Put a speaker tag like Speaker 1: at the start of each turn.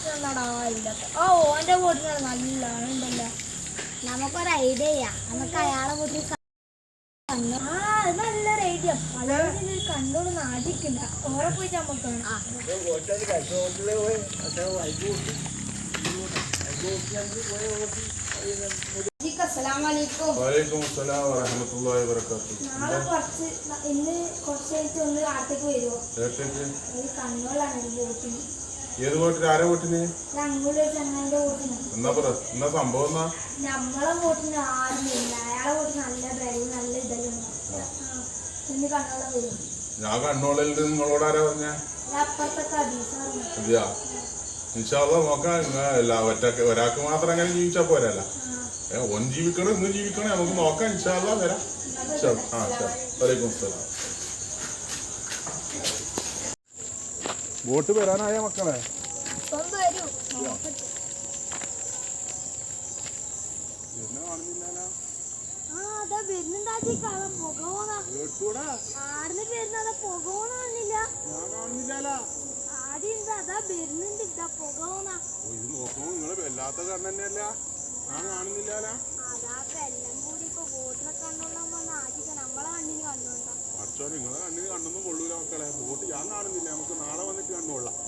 Speaker 1: ഓന്റെ വീട്ടിലാണ് നല്ലാണ് ഉണ്ടല്ലോ. നമുക്കൊരു ഐഡിയ ചെയ്യാം. നമുക്ക് അയാളെ വീട്ടിൽ നല്ലൊരു ഐഡിയ. പലരും കണ്ടോണ്ട് നാട്ടിക്കണ്ട. ഓറെ പോയിട്ട് നമുക്ക് നാളെ കുറച്ച് ഇന്ന് കുറച്ചായിട്ട് ഒന്ന് നാട്ടിലേക്ക് വരുമോ? കണ്ണൂരിലാണ് ഒരു ബോട്ടിന്.
Speaker 2: ഏത് വീട്ടിൽ ആരെ വീട്ടിന്?
Speaker 1: ചങ്ങാന്റെ വീട്ടിന്.
Speaker 2: എന്നാ സംഭവം
Speaker 1: നമ്മളെ വീട്ടിന് ആരുമില്ല. അയാളെ വീട്ടിൽ നല്ല ബെരും നല്ല ഇതെല്ലാം ഇന്ന് കണ്ണോളം വരും.
Speaker 2: ഞാൻ കണ്ണോളിൽ നിങ്ങളോട് ആരാ പറഞ്ഞ?
Speaker 1: അപ്പുറത്തൊക്കെ
Speaker 2: അതെയാ നോക്കാം. ഒരാൾക്ക് മാത്രം അങ്ങനെ ജീവിച്ചാ പോരല്ല. ഒന്ന് ജീവിക്കണം ഇന്ന് ജീവിക്കണം നമുക്ക് നോക്കാം. ഇൻഷാല്ലാ വരാം. വലൈക്കും അസ്സലാം. ബോട്ട് വരാനായ മക്കളെ? വല്ലാത്ത കണ്ണ് തന്നെയല്ല. ഞാൻ കാണുന്നില്ല. അച്ഛോ നിങ്ങളെ കണ്ണിന് കണ്ണൊന്നും കൊള്ളൂല മക്കളെ. ബോട്ട് ഞാൻ കാണുന്നില്ല. നമുക്ക് നാളെ വന്നിട്ട് കണ്ടുകൊള്ളാം.